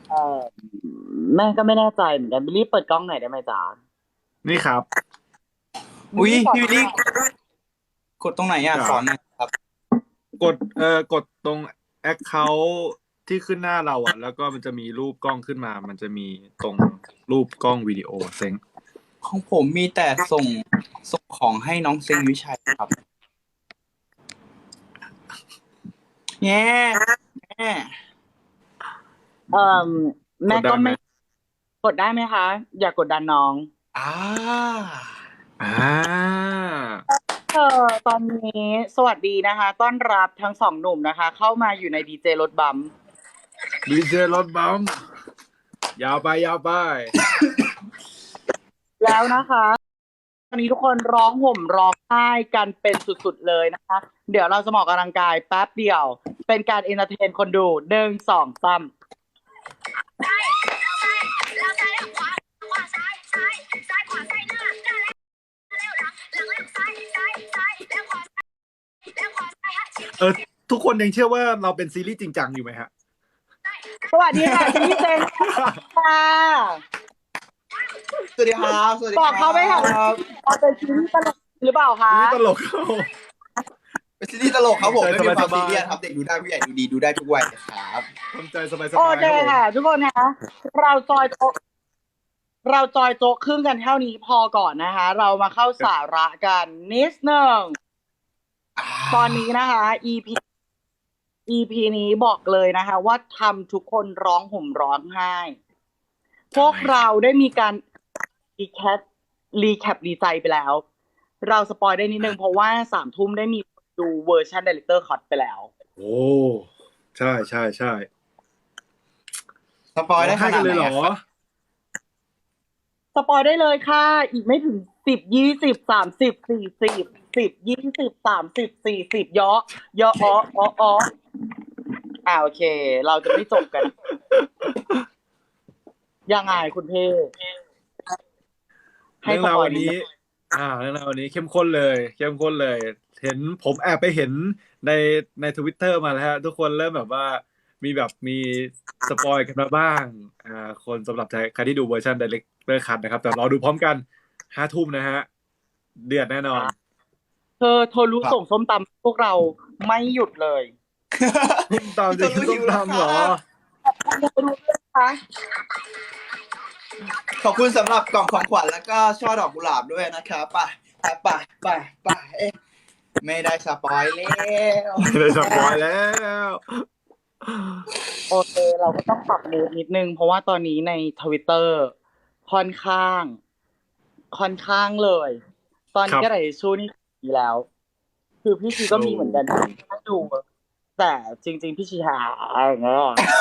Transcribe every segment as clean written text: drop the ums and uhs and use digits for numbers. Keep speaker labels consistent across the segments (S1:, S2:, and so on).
S1: เออแม่ก็ไม่แน่ใจเหมือนกันบิลลี่เปิดกล้องหน่อยได้ไหมจ๊ะ
S2: นี่ครับ
S1: บิลลี่สอน
S3: พี่วิลลี่กดตรงไหนอ่ะ
S2: จ๋า
S3: สอนหน่อยครับ
S2: กดตรง account ที่ขึ้นหน้าเราอ่ะแล้วก็มันจะมีรูปกล้องขึ้นมามันจะมีตรงรูปกล้องวิดีโอเซ็ง
S3: ของผมมีแต่ส่งของให้น้องเซงวิชัยครับแง่แง่
S1: เอ่อ
S2: กดได้ไหม
S1: แม่ก็ไม่กดได้ไหมคะอย่ากดดันน้อง
S3: อ่า
S2: อ่า
S1: ตอนนี้สวัสดีนะคะต้อนรับทั้งสองหนุ่มนะคะเข้ามาอยู่ในดีเจรถบัม
S2: ดีเจรถบัมยาวไปยาวไป
S1: แล้วนะคะตอนนี้ทุกคนร้องห่มร้องไห้กันเป็นสุดๆเลยนะคะเดี๋ยวเราจะมาออกกำลังกายแป๊บเดียวเป็นการเอนเตอร์เทนคนดู1 2 3
S2: เออทุกคนยังเชื่อว่าเราเป็นซีรีส์จริงจังอยู่ไหมฮะ
S1: สวัสดีค่ะพี่เจนค่ะ
S3: สวัสดีครับสวัสดี
S1: บอกเขาไหมค่ะ
S3: ครับ
S1: เราเป็นซีรีส์ตลกหรือเปล่าคะ
S2: ซีรีส์ตลกเข้า
S3: เป็นซีรีส์ตลกครับผมไม่มีความ
S2: สบายๆ
S3: ซีเรียสครับเด็กดูได้ผู้ใหญ่ดูดีดูได้ทุกวัยครับ
S2: ทำใจสบายๆ
S1: โอ
S2: ครับ
S1: เค
S2: ผม
S1: ค่ะทุกคนคะเราจอยโต๊ะเราจอยโต๊ะครึ่งกันเท่านี้พอก่อนนะคะเรามาเข้าสาระกันนิดหนึ่งตอนนี้นะคะ EP นี้บอกเลยนะคะว่าทำทุกคนร้องห่มร้องไห้พวกเราได้มีการรีแคปดีใจไปแล้ว เราสปอยได้นิดนึงเพราะว่า3 ทุ่มได้มีดูเวอร์ชัน Director Cut ไปแล้ว
S2: โอ้ใช่ใช่ใช่
S3: สปอยได้ข
S2: ให้
S3: นาดไหน
S2: กันเลยเหรอ
S3: ครับ
S1: สปอยได้เลยค่ะ อีกไม่ถึง10 20 30 40 10 20 30 40เยอะอ๋อโอเค เราจะไม่จบกัน ยังไงคุณเพ่ให้
S2: เรื่อง
S1: ส
S2: ราววันนี้
S1: ปอยนิดนึง
S2: เรื่องราววันนี้เข้มข้นเลยเข้มข้นเลย เห็นผมแอบไปเห็นในทวิตเตอร์มาแล้วฮะทุกคนเริ่มแบบว่ามีสปอยกันมาบ้างคนสำหรับใครที่ดูเวอร์ชัน Director Cut นะครับแต่รอดูพร้อมกัน5 ทุ่มนะฮะเดือดแน่นอน
S1: เธอรู้ส่งส้มตำพวกเราไม่หยุดเลย
S2: ส้มตำจะกินส้มตำเหรอ
S1: รู้ด้วยคะ
S3: ขอบคุณสำหรับกล่องของขวัญแล้วก็ช่อดอกกุหลาบด้วยนะครับไปเอ๊ะไม่ได้สปอยแล้ว
S2: ไม่ได้สปอยแล้ว
S1: โอเคเราก็ต้องปรับมูดนิดนึง เพราะว่าตอนนี้ในทวิตเตอร์ค่อนข้าง เลย ตอนนี้ก็ไหนชูนี่มีแล้ว คือพี่ชีก็มีเหมือนกันถ้าดู แต่จริงๆพี่ชีหาอย่างเงี้ย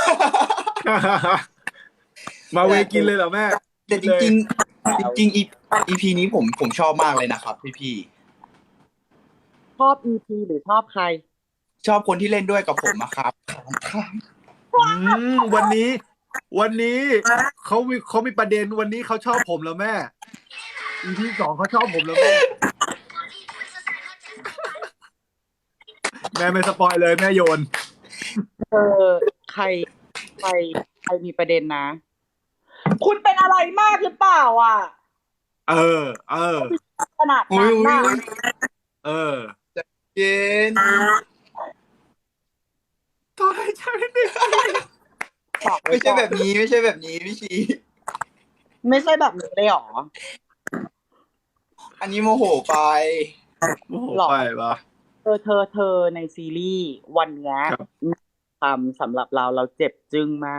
S2: มาเวกินเลยเหรอแม่
S3: แต่จริงEP นี้ผมชอบมากเลยนะครับพี่
S1: ชอบ EP หรือชอบใคร
S3: ชอบคนที่เล่นด้วยกับผมนะครับ
S2: วันนี้เขามีประเด็นวันนี้เขาชอบผมแล้วแม่ EP 2เขาชอบผมแล้วแม่แม่ไม่สปอยเลยแม่โยน
S1: ใครมีประเด็นนะ คุณเป็นอะไรมากหรือเปล่าอ่ะขนาดนั้นน่ะ
S3: เย็น
S2: ตอนให้ใช่ไม่ได้
S3: ไม่ใช่แบบนี้พี่ชี
S1: ไม่ใช่แบบนี้เลยหรอ
S3: อันนี้โมโหไป
S2: โอ้โหไปปะ
S1: เธอในซีรีส์วันเนี้ยทำสำหรับเราเจ็บจึ้งมาก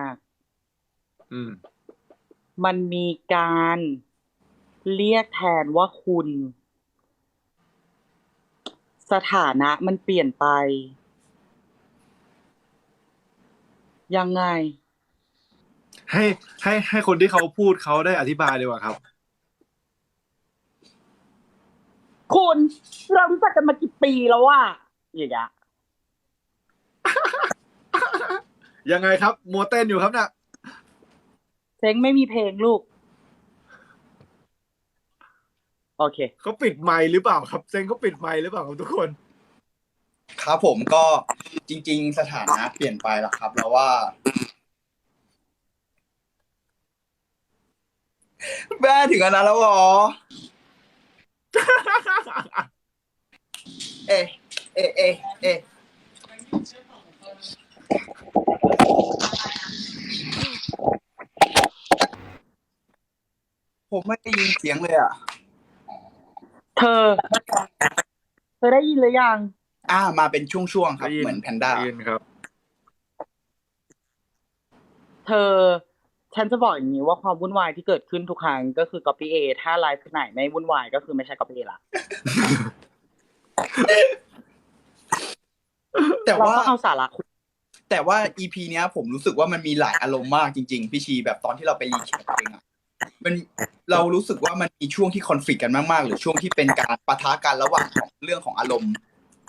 S1: มันมีการเรียกแทนว่าคุณ สถานะมันเปลี่ยนไป ยังไง
S2: ให้คนที่เขาพูดเขาได้อธิบายดีกว่าครับ
S1: คุณเรารู้จักกันมากี่ปีแล้วอ่ะอย่างเงี้ย
S2: ยังไงครับมัวเต้นอยู่ครับน่ะ
S1: เซ็งไม่มีเพลงลูก โอเค
S2: เขาปิดไมค์หรือเปล่าครับเซ็งเขาปิดไมค์หรือเปล่าครับทุกคน
S3: ครับผมก็จริงๆสถานะเปลี่ยนไปแล้วครับแล้วว่าแม่ถึงอันนั้นแล้วเหรอ เอะเอะเอะเอะผมไม่ได้ยินเสียงเลยอ่ะ
S1: เธอได้ยินหรือยัง
S3: มาเป็นช่วงๆครับ
S2: ได้ยิน
S3: เหมือนแพนด้า
S2: ได้ยินครับ
S1: เธอ ฉันจะบอกอย่างนี้ว่าความวุ่นวายที่เกิดขึ้นทุกครั้งก็คือ copy A ถ้าไลฟ์ไหนไม่วุ่นวายก็คือไม่ใช่ copy A ละ
S3: แต่
S1: เรา
S3: ว่า
S1: ต้องเอาสาระคุย
S3: แต่ว่า EP เนี้ยผมรู้สึกว่ามันมีหลายอารมณ์มากจริงๆพี่ชีแบบตอนที่เราไปรีแคปเองอะมันเรารู้สึกว่ามันมีช่วงที่คอนฟ lict กันมากๆหรือช่วงที่เป็นการปะทะกันระหว่างของเรื่องของอารมณ์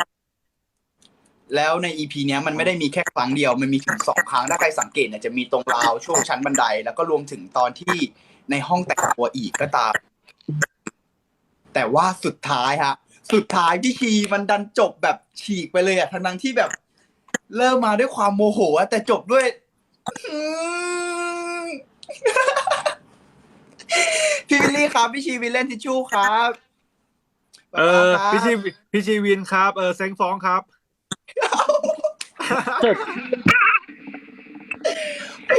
S3: แล้วใน EP เนี้ยมันไม่ได้มีแค่ครั้งเดียวมันมีถึง2 ครั้งถ้าใครสังเกตเนี่ยจะมีตรงราวช่วงชั้นบันได แล้วก็รวมถึงตอนที่ในห้องแต่งตัวอีกก็ตาม แต่ว่าสุดท้ายพี่ชีมันดันจบแบบฉีกไปเลยอะทั้งที่แบบ เริ่มมาด้วยความโมโหอะแต่จบด้วย พี่วิลลี่ครับพี่ชีวิลเล่นทิชชู่ครับ ป๊า
S2: พี่
S3: ครับ
S2: ชีวินครับเซ็งฟ้องครับ
S1: เกิด
S3: โอ้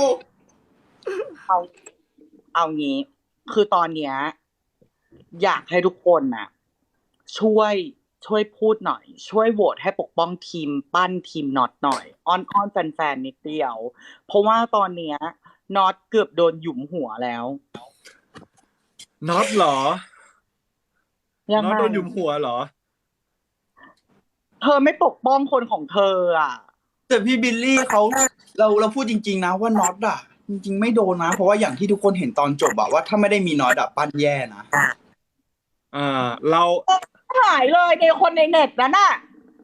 S1: เอางี้ คือตอนเนี้ยอยากให้ทุกคนน่ะ ช่วยพูดหน่อย ช่วยโหวตให้ปกป้องทีมปั้นทีมน็อตหน่อย อ้อนแฟนๆนิดเดียว เพราะว่าตอนเนี้ยน็อตเกือบโดนหยุมหัวแล้ว
S2: น็อตเหรอ
S1: ยัง
S2: น็อต
S1: ไง
S2: โดนหยุมหัวเหรอ
S1: เธอไม่ปกป้องคนของเธออ่ะ
S3: แต่พี่บิลลี่เขาเราพูดจริงๆนะว่าน็อตอะจริงๆไม่โดนนะ เพราะว่าอย่างที่ทุกคนเห็นตอนจบอะว่าถ้าไม่ได้มีน็อตอะปั้นแย่นะ
S2: เรา
S1: หายเลยในคนในเน็ตนั้นน่ะ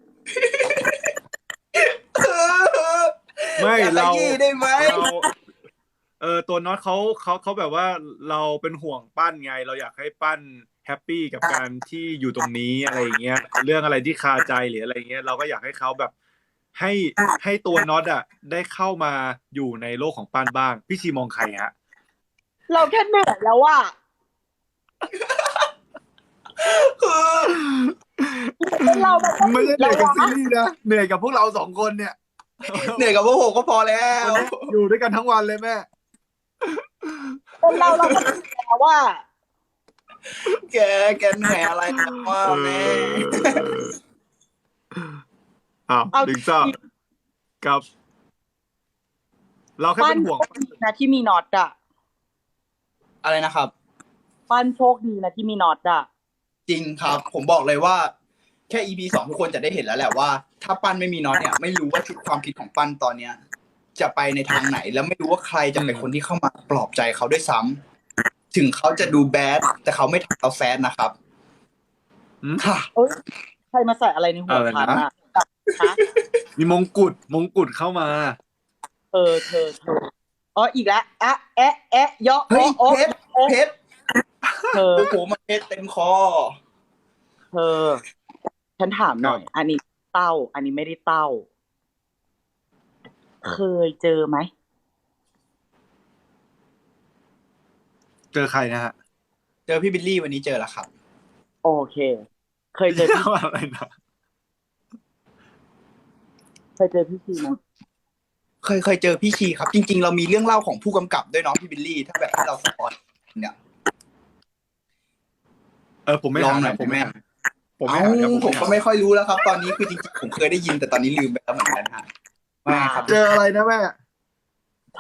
S2: ไม่
S3: อย่าข
S2: เรา
S3: ยี้ได้ไหม
S2: ตัวน็อตเขาแบบว่าเราเป็นห่วงปั้นไง เราอยากให้ปั้นแฮปปี้กับการที่อยู่ตรงนี้อะไรอย่างเงี้ย เรื่องอะไรที่คาใจหรืออะไรเงี้ย เราก็อยากให้เขาแบบให้ตัวน็อตอ่ะได้เข้ามาอยู่ในโลกของปั้นบ้าง พี่ชีมองใครฮะ
S1: เราแค่เหนื่อยแล้วว่าเรา
S2: ไม่ใช่เหนื่อยกับซีรีส์นะเหนื่อยกับพวกเรา2 คนเนี่ย
S3: เหนื่อยกับพวกผมก็พอแล้ว
S2: อยู่ด้วยกันทั้งวันเลยแม่
S1: เป็นเราก็เหนื่อยแล้วว่า
S3: แกเหนื่อยอะไรนะว่าแม่
S2: เอาดึงซ่ากับ เราแค่
S1: ปั้
S2: เป็น นห่วง
S1: โชคดีนะที่มีน็อตอ่ะ
S3: อะไรนะครับ
S1: ปั้นโชคดีนะที่มีน็อตอ่ะ
S3: จริงครับ ผมบอกเลยว่าแค่ EP 2ทุกคนจะได้เห็นแล้วแหละว่า ถ้าปั้นไม่มีน็อตเนี่ยไม่รู้ว่าชุดความคิดของปั้นตอนเนี้ย จะไปในทางไหน แล้วไม่รู้ว่าใครจะเป็นคนที่เข้ามาปลอบใจเขาด้วยซ้ำถึงเขาจะดูแบดแต่เขาไม่ทำเราแซดนะครับ
S2: อืม
S3: ค่ะ
S1: เอ้ยใครมาใส่อะไรในหัว
S2: อะไรนะ
S1: ฉันอ่ะฮะ
S2: มีมงกุฎเข้ามา
S1: เธออ๋ออีกแล้วอะแอะยอ
S3: เฮ้ย
S1: โอ้
S3: เพชร
S1: เธอ
S3: โอ้โหมันเพชรเต็มคอ
S1: เธอ ฉันถามหน่อย อันนี้เต้า อันนี้ไม่ได้เต้า เคยเจอไหม
S2: เจอใครนะฮะ
S3: เจอพี่บิลลี่วันนี้เจอแล้วครับ
S1: โอเค เคยเจอพี่
S2: อะไรนะ
S1: เคยเจอพี่ชีไหม
S3: เคยเจอพี่ชีครับ จริงๆ เรามีเรื่องเล่าของผู้กำกับด้วยเน้องพี่บิลลี่ถ้าแบบให้เราสปอยเนี่ย
S2: ผมไม่
S3: ลอง
S2: หา
S3: หน่อย
S2: ผมไม่
S3: ได้
S2: หา
S3: ไหม
S2: ผมไม่หาครับ
S3: ผมก็ไม่ค่อยรู้แล้วครับ ตอนนี้คือจริงๆผมเคยได้ยินแต่ตอนนี้ลืมไปแล้วเหมือนกันฮะว่าไงครับ
S2: เจออะไรนะแม่
S1: เธ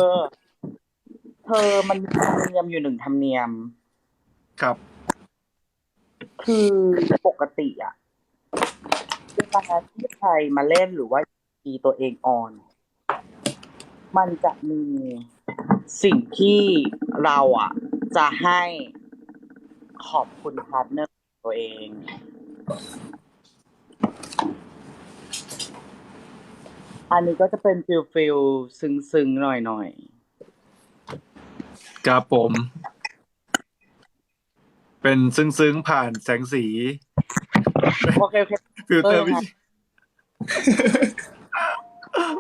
S1: อมันมีธรรมเนียมอยู่1ธรรมเนียม
S2: ครับ
S1: คือปกติอ่ะเวลาที่ใครมาเล่นหรือว่ามีตัวเองออน มันจะมีสิ่งที่เราอ่ะ จะให้ขอบคุณพาร์ทเนอร์ตัวเอง อันนี้ก็จะเป็นฟิลซึ้งๆหน่อย
S2: ครับผม เป็นซึ้งๆผ่านแสงสี
S1: ๆโอเค
S2: ฟิลเตอร์
S1: เออ
S2: วิ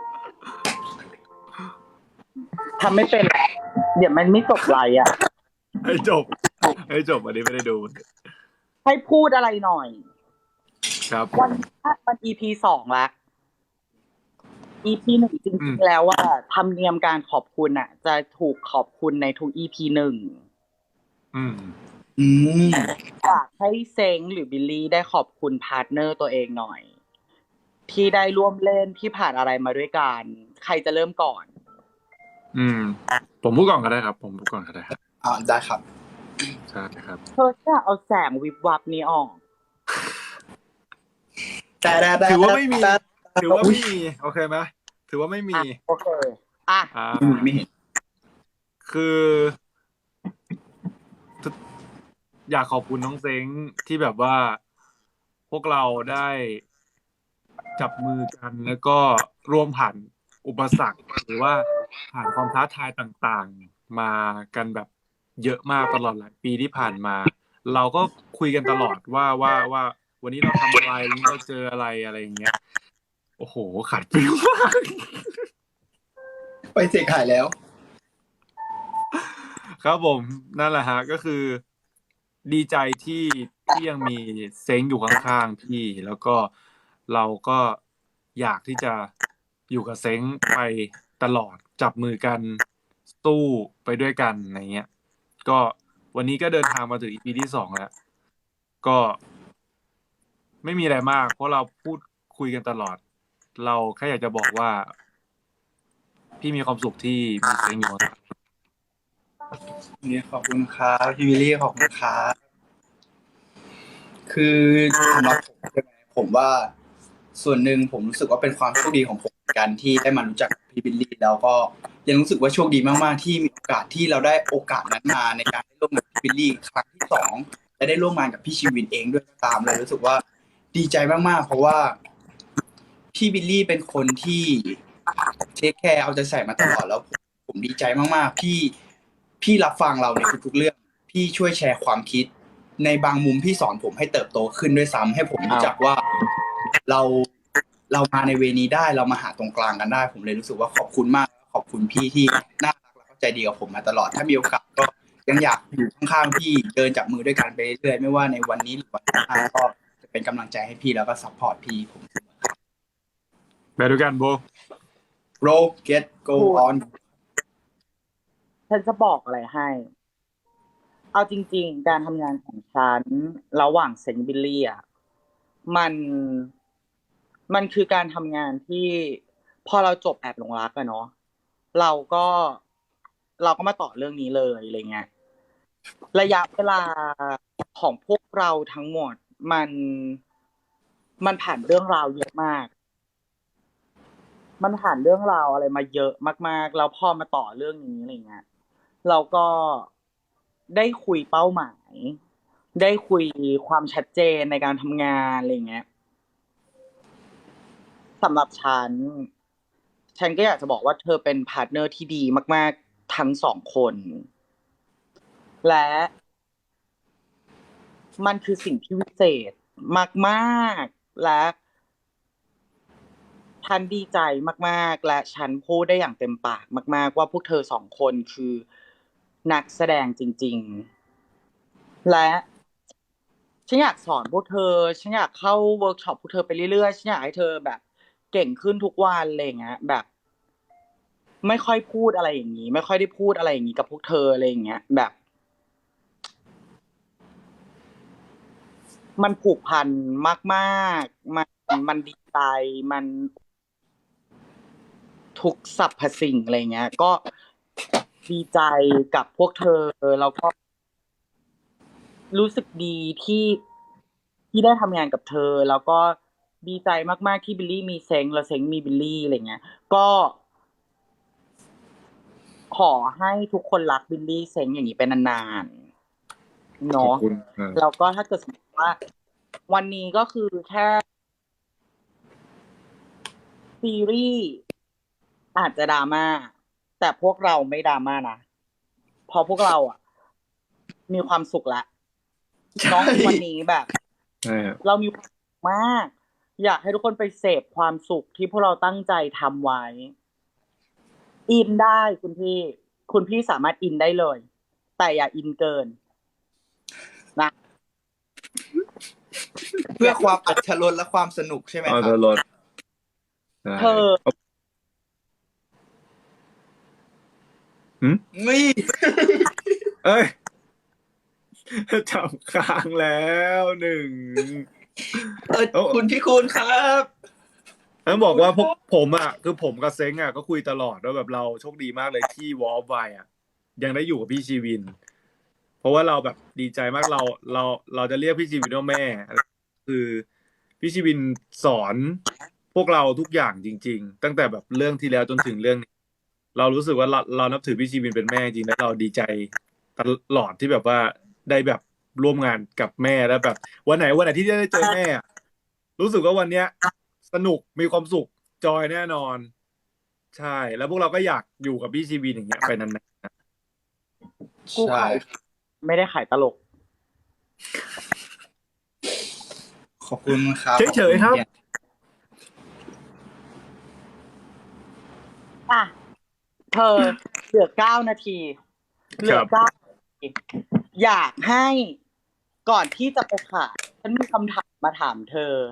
S1: ทำไม่เป็น เดี๋ยวมันไม่จบไลน์อ่ะ
S2: ให้จบให้จบอันนี้ไม่ได้ดู
S1: ให้พูดอะไรหน่อย
S2: ครับ
S1: วันนี้มัน EP 2 ละ EP 1จริงๆแล้วว่าธรรมเนียมการขอบคุณอ่ะ จะถูกขอบคุณในทุก EP 1
S2: อืม
S1: อยากให้เซ็งหรือบิลลี่ได้ขอบคุณพาร์ทเนอร์ตัวเองหน่อย ที่ได้ร่วมเล่นที่ผ่านอะไรมาด้วยกัน ใครจะเริ่มก่อน
S2: ผมพูดก่อนก็ได้ครับ ผมพูดก่อนก็ได้ครับ
S3: ได้ครับ
S2: ใช่ครับ
S1: เธอจะเอาแสงวิบวับนี้ออก
S2: ถือว่าไม่มี ถือว่าไม่มี โอเคไหมถือว่าไม่มี
S1: โอเค อ่ะ
S3: ไม่เห็น
S2: คือ อยากขอบคุณน้องเซ้งที่แบบว่าพวกเราได้จับมือกันแล้วก็ร่วมผ่านอุปสรรคหรือว่าผ่านความท้าทายต่างๆมากันแบบเยอะมากตลอดหลายปีที่ผ่านมา เราก็คุยกันตลอดว่าวันนี้เราทำอะไรวันนี้เราเจออะไรอะไรอย่างเงี้ยโอ้โหขาดฟิลมาก
S3: ไปเสกหายแล้ว
S2: ครับผมนั่นแหละฮะก็คือดีใจที่ยังมีเซ้งอยู่ข้างๆพี่แล้วก็เราก็อยากที่จะอยู่กับเซ้งไปตลอดจับมือกันสู้ไปด้วยกันอะไรเงี้ยก็วันนี้ก็เดินทางมาถึง EP ที่ 2แล้วก็ไม่มีอะไรมากเพราะเราพูดคุยกันตลอด เราแค่อยากจะบอกว่า พี่มีความสุขที่มีเซ้งอยู่ข้าง
S3: นี่ขอบคุณครับพี่วิลลี่ขอบคุณครับคือสำหรับผมใช่ไหมผมว่าส่วนหนึ่งผมรู้สึกว่าเป็นความโชคดีของผมเหมือนกันที่ได้มารู้จักพี่วิลลี่แล้วก็ยังรู้สึกว่าโชคดีมากๆที่มีโอกาสที่เราได้โอกาสนั้นมาในการได้ร่วมงานกับพี่วิลลี่ครั้งที่2และได้ร่วมงานกับพี่ชีวินเองด้วยก็ตามเลยรู้สึกว่าดีใจมากๆเพราะว่าพี่วิลลี่เป็นคนที่เทคแคร์เอาใจใส่มาตลอดแล้วผมดีใจมากๆพี่รับฟังเราในทุกๆเรื่องพี่ช่วยแชร์ความคิดในบางมุมพี่สอนผมให้เติบโตขึ้นด้วยซ้ำให้ผมรู้จักว่าเรามาในเวนี้ได้เรามาหาตรงกลางกันได้ผมเลยรู้สึกว่าขอบคุณมากขอบคุณพี่ที่น่ารักและเข้าใจดีกับผมมาตลอดถ้ามีโอกาสก็ยังอยากอยู่ข้างๆพี่เดินจับมือด้วยกันไปเรื่อยๆไม่ว่าในวันนี้หรือวันหน้าก็จะเป็นกำลังใจให้พี่แล้วก็ซัพพอร์ตพี่ผม
S2: ๆไปด้วยกันโบ
S3: Bro get go on
S1: ฉันจะบอกอะไรให้ เอาจริงๆ การทำงานของฉันระหว่างเซนบิลลี่อ่ะมันคือการทำงานที่พอเราจบแอบหลงรักอะเนาะเราก็มาต่อเรื่องนี้เลยอะไรเงี้ยระยะเวลาของพวกเราทั้งหมดมันผ่านเรื่องราวเยอะมาก มันผ่านเรื่องราวอะไรมาเยอะมากๆแล้วพอมาต่อเรื่องนี้อะไรเงี้ยเราก็ได้คุยเป้าหมาย ได้คุยความชัดเจนในการทำงานอะไรเงี้ยสำหรับฉันก็อยากจะบอกว่าเธอเป็นพาร์ทเนอร์ที่ดีมากๆทั้ง2 คน และมันคือสิ่งที่วิเศษมากๆและฉันดีใจมากๆและฉันพูดได้อย่างเต็มปากมากๆว่าพวกเธอ2 คนคือนักแสดงจริงๆและฉันอยากสอนพวกเธอฉันอยากเข้าเวิร์กช็อปพวกเธอไปเรื่อยๆฉันอยากให้เธอแบบเก่งขึ้นทุกวันอะไรอย่างเงี้ยแบบไม่ค่อยพูดอะไรอย่างนี้ไม่ค่อยได้พูดอะไรอย่างนี้กับพวกเธออะไรอย่างเงี้ยแบบมันผูกพันมากๆมันดีใจมันทุกสรรพสิ่งอะไรเงี้ยก็ดีใจกับพวกเธอแล้วก็รู้สึกดีที่ได้ทำงานกับเธอแล้วก็ดีใจมากๆที่บิลลี่มีเซ้งแล้วเซ้งมีบิลลี่อะไรเงี้ยก็ขอให้ทุกคนรักบิลลี่เซ้งอย่างนี้เป็นนานๆ
S2: ขอบ
S1: เนาะ
S2: คุณ
S1: แล้วก็ถ้าเกิดสมมติว่า วันนี้ก็คือแค่ซีรีส์อาจจะดราม่าแต่พวกเราไม่ดราม่านะเพราะพวกเราอ่ะ มีความสุขละน้องวันนี้แบบ
S2: ใช่ครับ
S1: เรามีความสุขมาก อยากให้ทุกคนไปเสพความสุขที่พวกเราตั้งใจทำไว้ อินได้คุณพี่สามารถอินได้เลยแต่อย่าอินเกินนะ
S3: เพื่อความอรรถรสและความสนุกใช่ไหม
S2: เอา
S3: ค
S2: ต
S3: รับ
S2: ลอดใช่
S1: เธอ
S3: นี่
S2: เอ้ยจับค้างแล้วหนึ่ง
S3: คุณพี่คุณครับ
S2: ต้องบอกว่าพวกผมอ่ะคือผมกับเซ้งอ่ะก็คุยตลอดว่าแบบเราโชคดีมากเลยที่วอลไวอ่ะยังได้อยู่กับพี่ชีวิน เพราะว่าเราแบบดีใจมากเราจะเรียกพี่ชีวินว่าแม่ คือพี่ชีวินสอนพวกเราทุกอย่างจริง ๆ ตั้งแต่แบบเรื่องที่แล้วจนถึงเรื่องนี้ เรารู้สึกว่าเรานับถือพี่ชีวินเป็นแม่จริงและเราดีใจตลอดที่แบบว่าได้แบบร่วมงานกับแม่แล้วแบบวันไหนที่ได้เจอแม่อะรู้สึกว่าวันเนี้ย สนุกมีความสุขจอยแน่นอน ใช่ แล้วพวกเราก็อยากอยู่กับพี่ชีวินอย่างเงี้ยไปนานๆ
S1: กูขายไม่ได้ขายตลก
S3: ขอบคุณครับ
S2: เฉยๆครับ
S1: อ่ะ เธอเหลือ9 นาที เหลือ9 นาที อยากให้ก่อนที่จะไปขายฉันมีคำถามมาถามเธอ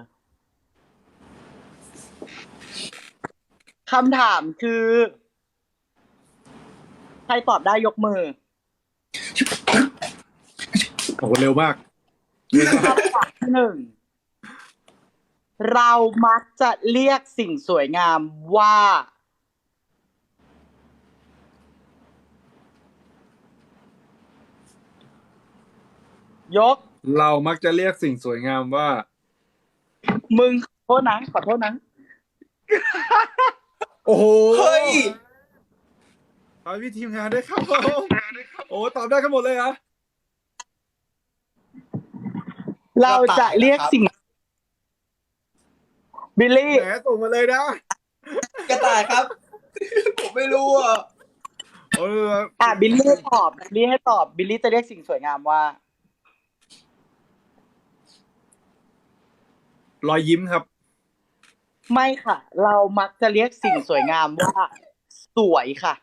S1: คำถามคือ ใครตอบได้ยกมือ
S2: โอ้โหเร็วมาก
S1: คำถามที่ 1 เรามักจะเรียกสิ่งสวยงามว่า ยก
S2: เรามักจะเรียกสิ่งสวยงามว่า
S1: มึงขอโทษนะขอโทษนะ
S2: โอ้โห
S3: เฮ้ย
S2: ขอบพี่ทีมงานด้วยครับผมโอ้ตอบได้กันหมดเลยเหรอ
S1: เราจะเรียกสิ่ง บิลลี่
S2: แหมส่งมาเลยนะ
S3: กระต่ายครับ ผมไม่รู้อ่ะ
S2: โอ้
S1: บิลลี่ตอบ บิลลี่ให้ตอบ บิลลี่จะเรียกสิ่งสวยงามว่า
S2: รอยยิ้มครับ
S1: ไม่ค่ะ เรามักจะเรียกสิ่งสวยงามว่า สวยค่ะ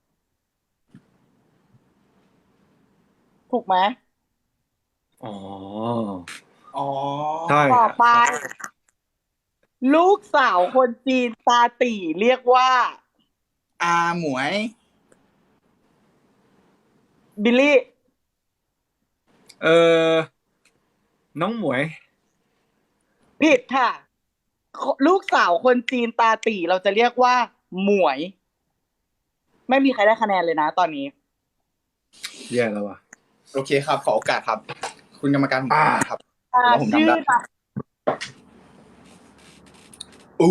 S1: ถูกไหม
S2: อ๋อ
S3: อ๋อ
S2: ใช่
S1: ต่อไป ลูกสาวคนจีนตาตี่ เรียกว่า
S3: อาหมวย
S1: บิลลี่
S2: เออน้องหมวย
S1: ผิดค่ะ ลูกสาวคนจีนตาตี่เราจะเรียกว่า หมวย ไม่มีใครได้คะแนนเลยนะตอนนี้
S2: แย่แล้วว่ะ
S3: โอเคครับ ขอโอกาสครับ คุณกรรมการผมครับ ผมทำได้
S1: ชื่อ
S3: อู้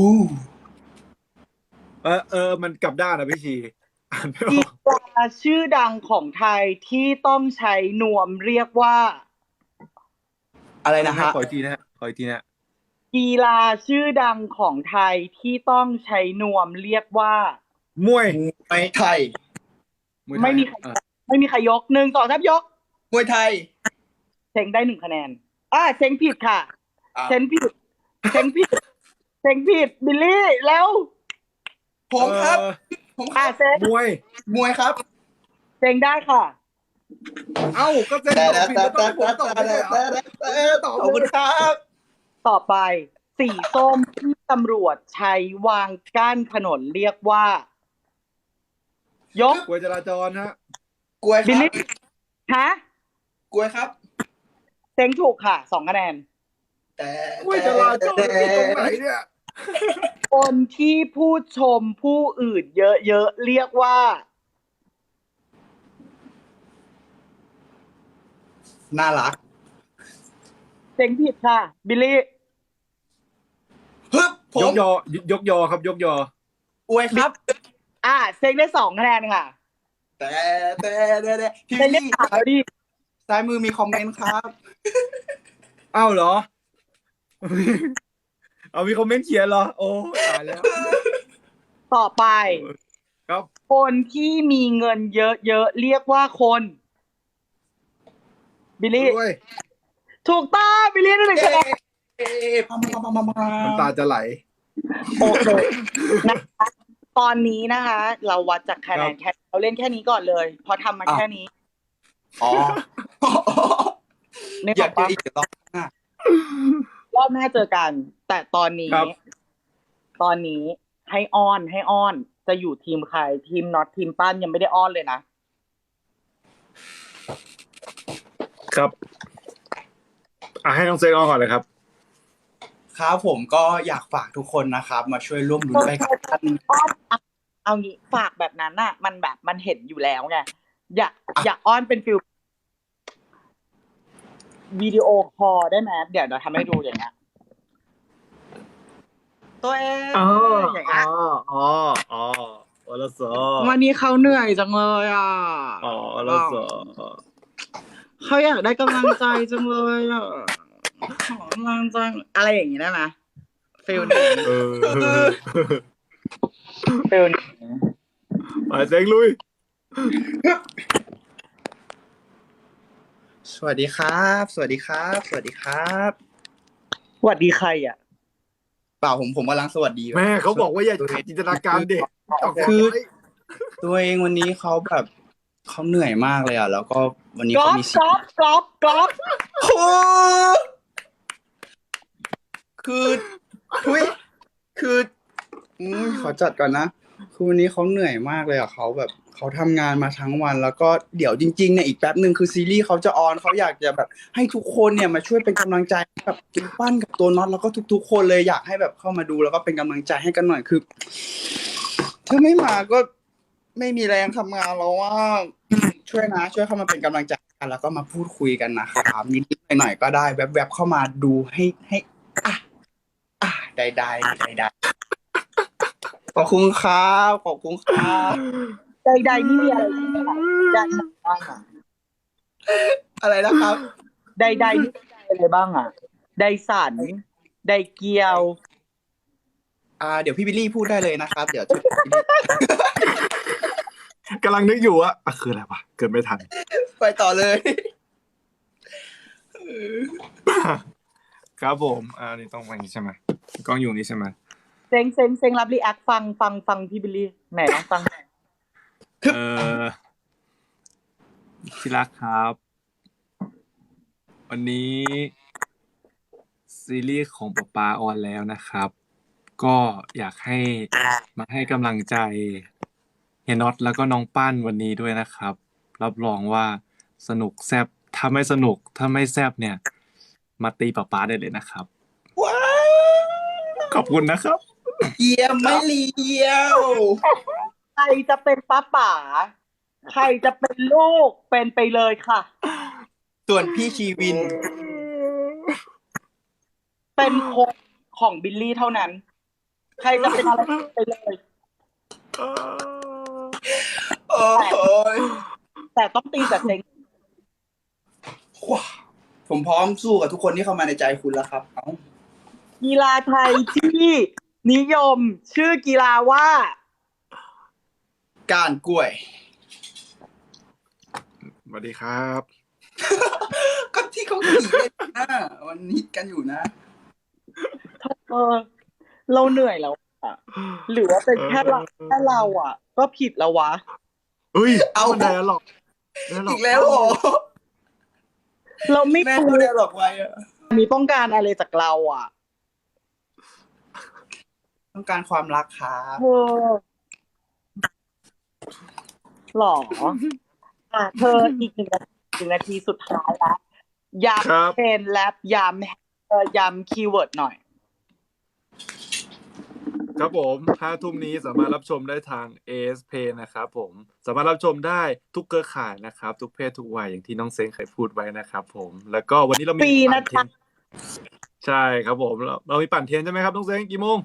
S2: มันกลับด้านนะพี่ชีอ่านไม่อ
S1: กี
S2: อก
S1: ฬาชื่อดังของไทยที่ต้องใช้นวมเรียกว่า
S3: อะไรนะฮะ
S2: ขออีกทีนะฮะขออีกทีนะ
S1: กีฬาชื่อดังของไทยที่ต้องใช้นวมเรียกว่า
S2: มวย
S3: มวยไทย
S2: มวยไทย
S1: ไม่มีใคร
S2: อ่ะ
S1: ไม่มีใครยก1 2 3ยก
S3: มวยไทย
S1: เซ็งได้1 คะแนนเซ็งผิดค่ะ
S3: อ่ะ
S1: เซ็งผิดเซ็งผิดเซ็งผิดบิลลี่แล้ว
S3: ผมครับ ผมครับ
S1: เซ็ง
S2: มวย
S3: มวยครับ
S1: เซ็งได้ค่ะ
S2: เอ้าก็เซ็นตอบผิดแล้วต้องให้ผมตอบไม่ได้เหรอตอบ
S3: ขอบ
S2: เล
S3: คุ
S2: ย
S3: ณครับ
S1: ต่อไป สีส้มที่ตำรวจใช้วางกั้นถนนเรียกว่า ยก
S2: กวยจราจรฮะ
S3: กล้วยค
S1: บิล
S3: รับ
S1: ลี่ฮะ
S3: กล้วยครับ
S1: เซ็งถูกค่ะ2 คะแนน
S3: แต่
S2: กวยจราจรที่ตรงไหนเนี่ย
S1: คนที่พูดชมผู้อื่นเยอะๆเรียกว่า
S3: น่ารัก
S1: เซ็งผิดค่ะ บิลลี่
S3: ฮึบผ
S2: ย
S3: ม
S2: กยอยอครับยกยอ
S3: อวยครับ
S1: เซ็งได้2 คะแนนค่ะ
S3: แต่พี่
S1: เซ็งได้
S3: พี่
S1: 3แล้วดิ
S3: ซ้ายมือมีคอมเมนต์ครับ
S2: อ้าวเหรอ เอามีคอมเมนต์เขียนเหรอ โอ้ตายแล้ว
S1: ต่อไป
S2: ครับ
S1: คนที่มีเงินเยอะๆเรียกว่าคน บิลลี่
S2: ด้วย
S1: ถูกต้องบิลลี่ได้1 คะแนน
S3: พัม
S2: น้ำตาจะไหล
S1: โอเคนะคะตอนนี้นะคะ เราวัดจากคะแนนแค่เราเล่นแค่นี้ก่อนเลยเพราะทำมาแค่นี้
S3: อ๋อ
S1: นี่
S3: อบ ยา
S1: อก ก
S3: เจอ
S1: ว่า
S3: อีกรอบหน้าร
S1: อบหน้าเจอกัน แต่ตอนนี้ ให้อ้อนจะอยู่ทีมใครทีมน็อตทีมปั้นยังไม่ได้อ้อนเลยนะครับ
S2: ให้น้องเซงเอาก่อนเลยครับ
S3: ครับผมก็อยากฝากทุกคนนะครับ มาช่วยร่วมลุ้นไปกับท่าน
S1: อ้อนเอางี้ฝากแบบนั้นน่ะ มันแบบมันเห็นอยู่แล้วไงอยากอ้อนเป็นฟิลวิดีโอคอลได้ไหมเดี๋ยวเราทำให้ดูอย่างเงี้ยตัวเองอย่างเงี้ย
S2: วลส
S1: วันนี้เขาเหนื่อยจังเลยอ่ะ
S2: วลส
S1: เขาอยากได้กำลังใจจังเลยอ่ะขอกำลังใจอะไรอย่างงี้ได้ไหมฟิลนี้ ฟิลนี้
S2: ไปเซงลุย
S3: สวัสดีครับ สวัสดีครับ สวัสดีครับ
S1: สวัสดีใครอ่ะ
S3: เปล่าผมกำลังสวัสดี
S2: แม่เขาบอกว่าอย่าขัดจินตนาการเด็ก
S3: คือตัวเองวันนี้เขาแบบเขาเหนื่อยมากเลยอ่ะ แล้วก็วันนี้
S1: กรอ
S3: เขา
S1: บ
S3: มี
S1: กรอบกรอบกรอบ
S3: โอ้คือทุยคือขอจัดก่อนนะคือวันนี้เขาเหนื่อยมากเลยอ่ะเขาแบบเขาทำงานมาทั้งวัน แล้วก็เดี๋ยวจริงๆเนี่ยอีกแป๊บหนึ่งคือซีรีส์เขาจะออนเขาอยากจะแบบให้ทุกคนเนี่ยมาช่วยเป็นกำลังใจกับตัวปั้นกับตัวน็อตแล้วก็ทุกๆคนเลยอยากให้แบบเข้ามาดูแล้วก็เป็นกำลังใจให้กันหน่อยคือถ้าไม่มาก็ไม่มีแรงทำงานแล้วว่าช่วยเข้ามาเป็นกำลังใจกันแล้วก็มาพูดคุยกันนะครับนิดๆหน่อยๆก็ได้แวบๆเข้ามาดูให้ใดขอบคุณครับขอบคุณครับ
S1: ใดๆนี่มีอะไรใดบ้างอ่ะ
S3: อะไรนะครับ
S1: ใดๆนี่มีอะไรบ้างอ่ะใดสันใดเกียว
S3: เดี๋ยวพี่บิลลี่พูดได้เลยนะครับ เดี๋ยว
S2: กำลังนึกอยู่ว่าคืออะไรวะเกิดไม่ทัน
S3: ไปต่อเลย
S2: ครับผมนี่ต้องอย่างนี้ใช่ไหมกล้องอยู่นี่ใช่ไหม
S1: เซ็งรับรีแอคฟังพี่บิลลี่ไหนลองฟังหน่อย
S2: ที่รักครับ วันนี้ซีรีส์ของป๊าป๊าออนแล้วนะครับ ก็อยากให้มาให้กำลังใจเฮียน็อตแล้วก็น้องปั้นวันนี้ด้วยนะครับ รับรองว่าสนุกแซ่บถ้าไม่สนุกถ้าไม่แซ่บเนี่ย มาตีป๊าป๊าได้เลยนะครับ
S3: ว้าว
S2: ขอบคุณนะครับ
S3: เยี่ยมไม่เลี้ยว
S1: ใครจะเป็นป้าป๋าใครจะเป็นลูกเป็นไปเลยค่ะ
S3: ส่วนพี่ชีวิน
S1: เป็นคนของบิลลี่เท่านั้น ใครจะเป็นอะไรไปเลย
S3: โอ้ย
S1: แต่ต้องตีกับเซ็ง
S3: ว้าวผมพร้อมสู้กับทุกคนที่เข้ามาในใจคุณแล้วครับ
S1: กีฬาไทยที่นิยมชื่อกีฬาว่า
S3: ก้านกล้วย
S2: สวัสดีครับ
S3: ก็ที่เขาขี่เล่นนะมันฮิตกันอยู่นะ
S1: เราเหนื่อยแล้วอะหรือว่าเป็นแค่เราอ่ะ ก็ผิดแล้ววะ
S2: เฮ้ย
S3: เอา
S2: มันได้หรอก
S3: อีกแล้วเหรอ
S1: เราไม่
S3: แม่
S1: รู้
S3: ก็ได้หรอกไว้อะ
S1: มีต้องการอะไรจากเราอ่ะ
S3: ต้องการความรักครับ
S1: เธอหรอเธออีกหนึ่งนาทีสุดท้ายแล้วย้ำเพนแลบย้ำคีย์เวิร์ดหน่อย
S2: ครับผม5 ทุ่มนี้สามารถรับชมได้ทาง AS Play นะครับผมสามารถรับชมได้ทุกเครือข่ายนะครับ ทุกเพศทุกวัยอย่างที่น้องเซ้งเคยพูดไว้นะครับผมแล้วก็วันนี้เรามี
S1: ฟรีนะ
S2: ปั่นเทียนใช่ครับผมเรามีปั่นเทียนใช่ไหมครับน้องเซ้งกี่โมง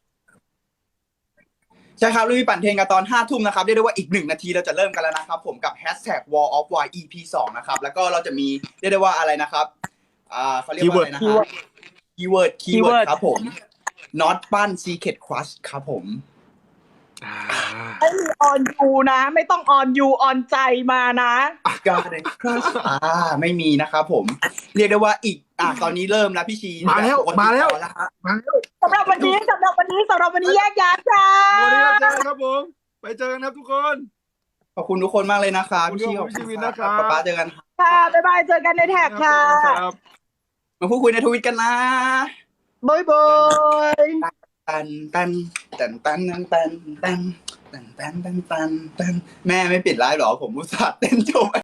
S3: ใช่ครับเรามีปั่นเทรนกันตอน5 ทุ่มนะครับเรียกได้ว่าอีก1 นาทีเราจะเริ่มกันแล้วนะครับผมกับ #Wall of Y EP 2นะครับแล้วก็เราจะมีเรียกได้ว่าอะไรนะครับเขาเรียกว่าอะไรนะครับคีย์เวิร์ดครับผม Not ปั้น Secret Crush ครับผม
S1: ไม่มีออนยูนะ ไม่ต้องออนยูออนใจมานะ
S3: Garden Crush ไม่มีนะครับผมเรียกได้ว่าอีกตอนนี้เริ่มแล้วพี่ชี
S2: มาแล้ว
S3: ฮะ
S1: สำหรับวันนี้แยกย้ายจ้า
S2: วันนี้เจอกันครับผมไปเจอกันครับทุกคน
S3: ขอบคุณทุกคนมากเลยนะคะ
S2: ขอบคุณ
S3: พี่ชี
S2: ครับ
S3: ขอบ
S2: พี่ชี
S3: คุ
S2: วิ
S3: ณ
S2: น
S3: ค
S2: นะครั
S3: รับบ ป๊าเจอกันครับ
S1: ค่ะ บ๊ายบาย เจอกันในแท็กค่ะ
S2: ครับ
S3: มาพูดคุยในทวิตกันนะ
S1: บ๊ายบาย
S3: ตันตันตันตันตันตันตันตันตันตันตันแม่ไม่ปิดไลฟ์หรอผมอุตส่าห์เต้นโชว์